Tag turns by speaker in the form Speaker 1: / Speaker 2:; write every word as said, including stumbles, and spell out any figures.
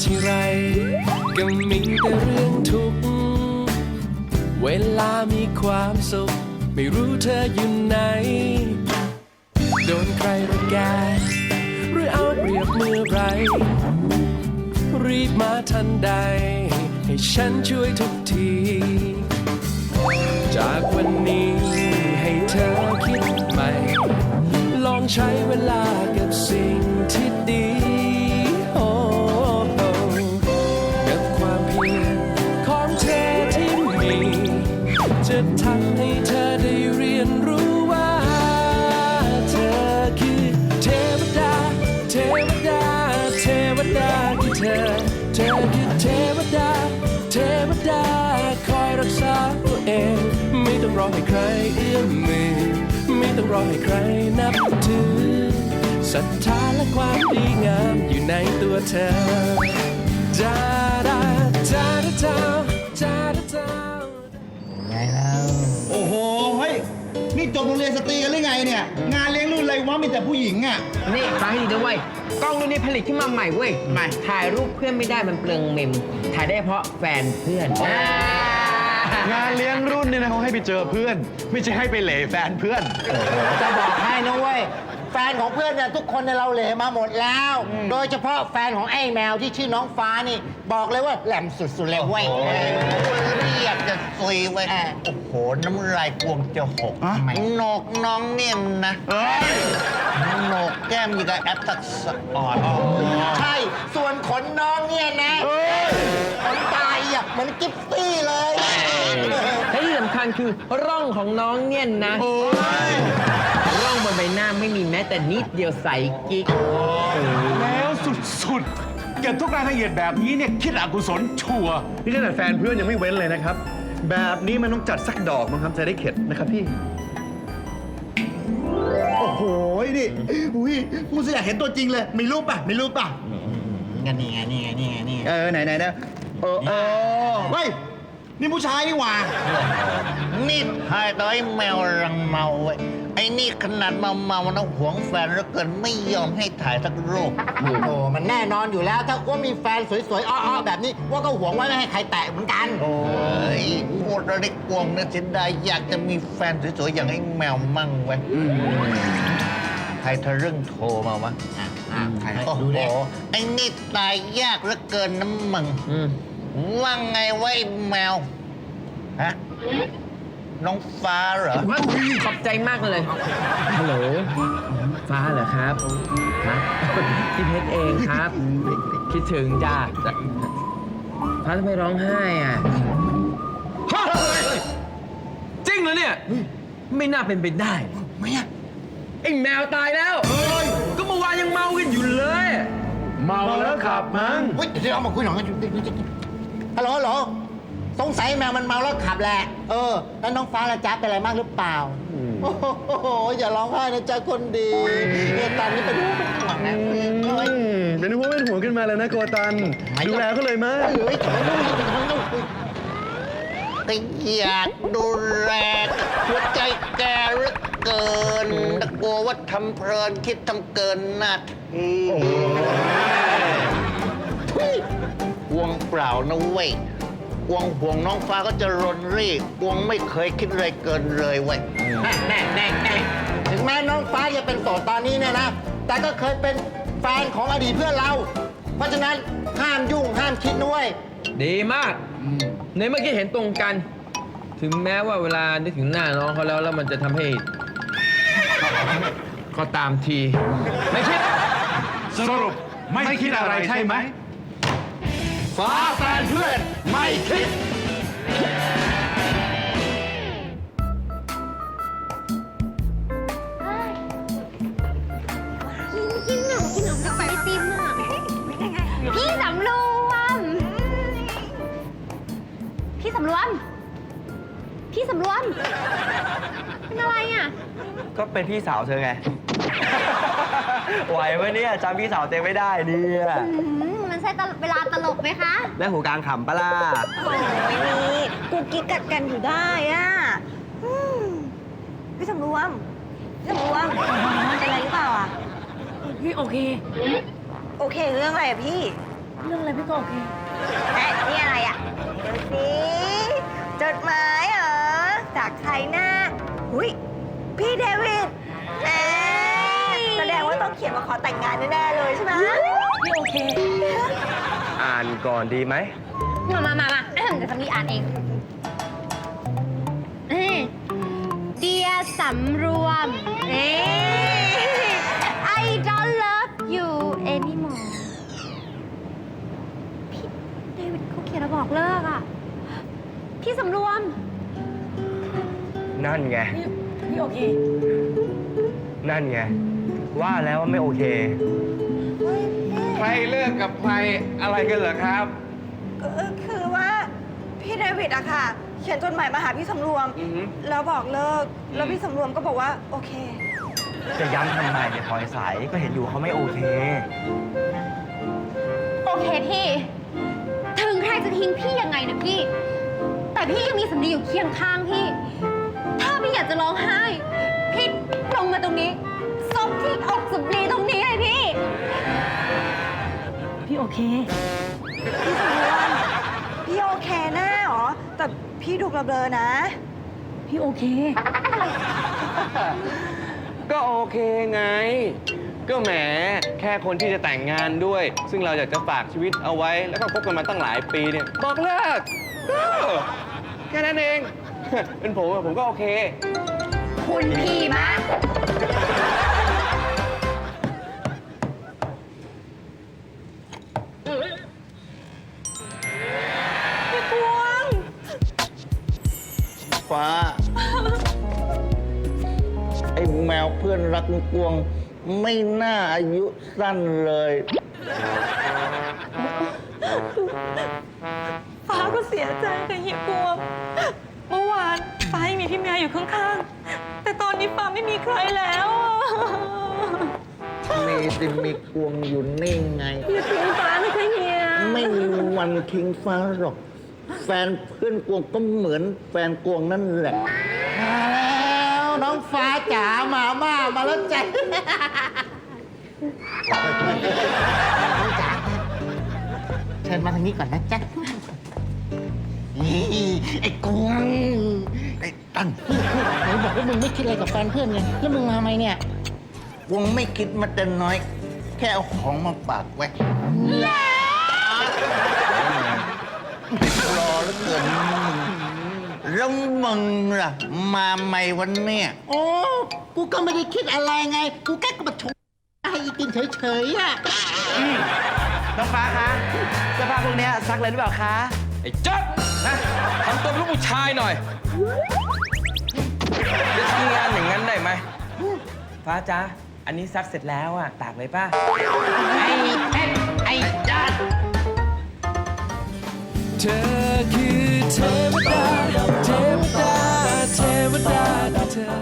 Speaker 1: ทีไรก็มีแต่เรื่องทุกข์เวลามีความสุขไม่รู้เธออยู่ไหนโดนใครรังแกหรือเอาเปรียบเมื่อไรรีบมาทันใดให้ฉันช่วยทุกทีจากวันนี้ให้เธอคิดใหม่ลองใช้เวลากับสิ่งที่ดีโอ้กับความเพียรของเธอที่มีจะทำให้เธอได้เรียนรู้ว่าเธอคือเทวดาเทวดาเทวดาคือเธอเธอคือเทวดาเทวดาคอยรักษาตัวเองไม่ต้องรอให้ใครเอื้อมมือไม่ต้องรอให้ใครนับถือศรัทธาและความดีงามอยู่ในตัวเธอจาดาจาดาจาจาดาจา
Speaker 2: ไงแล้วโอ้โหเฮ้ยนี่จบโรงเรียนสตรีกันหรือไงเนี่ยงานเลี้ยงรุ่นอะไรวะมีแต่ผู้หญิงอ่ะ
Speaker 3: นี่ฟังให้ดีนะเว้ยกล้องรุ่นนี้ผลิตขึ้นมาใหม่เว้ยใหม่ถ่ายรูปเพื่อนไม่ได้มันเปลืองเมมถ่ายได้เพราะแฟนเพื่อน
Speaker 4: งานเลี้ยงรุ่นเนี่ยนะเขาให้ไปเจอเพื่อนไม่ใช่ให้ไปเหล่แฟนเพื่อน
Speaker 5: จะบอกให้นะเว้ยแฟนของเพื่อนเนี่ยทุกคนในเราเหล่มาหมดแล้วโดยเฉพาะแฟนของไอ้แมวที่ชื่อน้องฟ้านี่บอกเลยว่าแหลมสุดๆเลยเว้ย
Speaker 6: เรียกจะซุยไว้โอ้โหน้ำลายกวงจะหกโหนกน้องเนี่ยนะโหนกแก้มยังกับแอปทักษะอ่อน
Speaker 5: ใช่ส่วนขนน้องเนี่ยนะขนตายอ่ะเหมือนกิฟตี้เลย
Speaker 3: และที่สำคัญคือร่องของน้องเนี่ยนะร่องบนใบหน้าไม่มีแม้แต่นิดเดียวใสกิ๊ก
Speaker 4: แล้วสุดๆเก็บทุกรายละเอียดแบบนี้เนี่ยคิดอกุศลชัวนี่ขนาดแฟนเพื่อนยังไม่เว้นเลยนะครับแบบนี้มันต้องจัดสักดอกมั้งครับจะได้เข็ดนะครับพี่
Speaker 2: โอ้โหนี่อุ้ยมูสอยากเห็นตัวจริงเลยมีรูปป่ะมีรูปป่ะ
Speaker 6: งั้นนี่ไงนี่ไงนี่ไงนี่
Speaker 2: เออไหนไหนนะเออเออเฮ้ยนี่ผู้ชายนี่หว่า
Speaker 6: นี่ทายต่อไอ้แมวรังเมาไว้ไอ้นี่ขนาดเมาเมานะหวงแฟนแล้วเกินไม่ยอมให้ถ่ายสักรูป
Speaker 5: โอ้โหมันแน่นอนอยู่แล้วถ้าว่ามีแฟนสวยๆอ้อๆแบบนี้ว่าก็หวงไว้ไม่ให้ใครแตะเหมือนกัน
Speaker 6: โอ้ยพูดแล้วได้กวงนะเสียดายอยากจะมีแฟนสวยๆอย่างไอ้แมวมั่งไว้ใครทะลึ่งโทรมาวะโอ้โหไอ้นี่ตายยากเหลือเกินน้ำมึงว่าไงไว้แมวฮะน้องฟ้าเหรอ
Speaker 3: ขอบใจมากเลยฮัลโหลฟ้าเหรอครับครับพี่เพชรเองครับคิดถึงจ้าฟ้าทำไมร้องไห้อ่ะจริงเหรอเนี่ยไม่น่าเป็นไปได้
Speaker 2: ไม่อะ
Speaker 3: ไอ้แมวตายแล้วก็เมื่อวานยังเมากันอยู่เลย
Speaker 4: เมาแล้วขับมั้ง
Speaker 5: เฮ้ยเดี๋ยวเรามาคุยหน่อยฮัลโหลฮัลโหลสงสัยแมวมันเมาแล้วขับแหละเออแล้วน้องฟ้าละจ๊ะเป็นอะไรมากหรือเปล่าโอ้โหอย่าร้องไห้นะจ๊ะคนดีเนี่ยตอนนี้เป็นห่วงเป็นห่วงนะ
Speaker 4: เป็นห่วงเป็นห่วงขึ้นมาแล้วนะโกตันดูแลเขาเลยมั้ย
Speaker 5: เฮ้ย
Speaker 6: ก็อยากดูแลหัวใจแกเหลือเกินแต่กลัวว่าทำเพลินคิดทำเกินหน้าที่ห่วงเปล่านะเว้ยกวงห่วงน้องฟ้าก็จะรนรีกกวงไม่เคยคิดอะไรเกินเลยเว้ย
Speaker 5: แน่แน่แน่แน่ถึงแม้น้องฟ้าจะเป็นโสดตอนนี้เนี่ยนะแต่ก็เคยเป็นแฟนของอดีตเพื่อนเราเพราะฉะนั้นห้ามยุ่งห้ามคิดด้วย
Speaker 3: ดีมากในเมื่อกี้เห็นตรงกันถึงแม้ว่าเวลานึกถึงหน้าน้องเขาแล้วแล้วมันจะทำให้ก็ตามทีไม่คิด
Speaker 4: สรุปไม่คิดอะไรใช่ไหม
Speaker 6: ฟ้าแฟนเพื่อนไม่คิด
Speaker 7: กินกินหนูกินหนูกับไอติมอ่ะพี่สำรวมพี่สำรวมพี่สำรวมเป็นอะไรอ่ะ
Speaker 8: ก็เป็นพี่สาวเธอไงไหวไหมเนี่ยจำพี่สาวเต็มไม่ได้เนี่ย
Speaker 7: มันใช่เวลาตลกไหมคะ
Speaker 8: แม่หูกลางขำปะล่ะ
Speaker 7: โอ้ยนี่กูกิ๊กกัดกันอยู่ได้อ่ะพี่สำรวมพี่สำรวมเป็นอะไรหรือเปล่าอ่ะพี่โอเคโอเคเรื่องอะไรอ่ะพี่เรื่องอะไรพี่ก็โอเค
Speaker 9: เอ๊ะนี่อะไรอ่ะดูสิจดหมายเหรอ จากใครหน้าหุยพี่เดวิดเอ๊ะแสดงว่าต้องเขียนมาขอแต่งงานแน่ๆเลยใช่ไหม
Speaker 7: พี่โอเค
Speaker 8: อ่านก่อนดีไหม
Speaker 7: มามามามาเดี๋ยวสำลีอ่านเองเดียสำรวมเอ้ I don't love you anymore พี่เดวิดเขาเขียนมาบอกเลิกอ่ะ พี่สำรวม
Speaker 8: นั่นไง
Speaker 7: พี่พี่โอเค
Speaker 8: นั่นไง ว่าแล้วว่าไม่โอเค
Speaker 3: ใครเลิกกับใครอะไรกันเหรอครับ
Speaker 9: เออคือว่าพี่เดวิดอะค่ะ เขียนจดหมายมาหาพี่สำรวม
Speaker 3: อือฮึ
Speaker 9: แล้วบอกเลิก แล้วพี่สำรวมก็บอกว่าโอเค
Speaker 8: จะย้ำทำไมเนี่ยพลอยใสก็เห็นอยู่เขาไม่โอเค
Speaker 7: โอเคพี่ ถึงใครจะทิ้งพี่ยังไงนะพี่ แต่พี่ยังมีสำลีอยู่เคียงข้างพี่ ถ้าพี่อยากจะร้องไห้ พี่ลงมาตรงนี้ซบที่อกสำลีตรงนี้เลยพี่ พี่โอเค
Speaker 9: พี่สำรวมพี่โอเคแน่หรอ แต่พี่ดูเบลอๆนะ
Speaker 7: พี่โอเค
Speaker 3: ก็โอเคไง ก็แหมแค่คนที่จะแต่งงานด้วย ซึ่งเราอยากจะฝากชีวิตเอาไว้ แล้วก็คบกันมาตั้งหลายปีเนี่ย บอกเลิกเออแค่นั้นเอง เป็นผมอะผมก็โอเค
Speaker 7: คุณพี่มะ
Speaker 9: พี่กวง
Speaker 6: ฟ้า ไอ้แมวเพื่อนรักกวง ไม่น่าอายุสั้นเลย
Speaker 10: ฟ้าก็เสียใจกับเฮียกวง เมื่อวานฟ้ายังมีพี่แมวอยู่ข้างๆ แต่ตอนนี้ฟ้าไม่มีใครแล้วอะ
Speaker 6: มีสิมีกวงอยู่นี่ไง
Speaker 10: อย่าทิ้งฟ้าเลยค่ะเฮีย
Speaker 6: ไม่มีวันทิ้งฟ้าหรอก แฟนเพื่อนกวงก็เหมือนแฟนกวงนั่นแหละ
Speaker 5: มาแล้วน้องฟ้าจ๋ามาม่ามาแล้วจ้ะน้องจ๋าเชิญมาทางนี้ก่อนนะจ๊ะนี่ไอ้กวง
Speaker 6: ไอ้ตั้น
Speaker 5: ไหนบอกว่ามึงไม่คิดอะไรกับแฟนเพื่อนไงแล้วมึงมาไหมเนี่ย
Speaker 6: กวงไม่คิดมาแต่น้อย แค่เอาของมาฝากไว้รอแล้วเกินแล้วมึงล่ะ มาใหม่วันเนี้ย
Speaker 5: โอ้กูก็ไม่ได้คิดอะไรไง กูแค่กระบชงให้อีกินเฉยๆอ่ะ
Speaker 8: น้องฟ้าคะเสื้อผ้าพวกเนี้ยซักเลยหรือเปล่าคะ
Speaker 3: ไอ้จ๊ดนะทำตัวเป็นลูกผู้ชายหน่อย จะทำงานอย่างนั้นได้ไหม
Speaker 8: ฟ้าจ๊ะ อันนี้ซักเสร็จแล้วอ่ะ ตากเลยป่ะ
Speaker 5: ไอ้เพชรไอ้จัด
Speaker 1: เธอคือเทวดา เทวดา เทวดาเธอ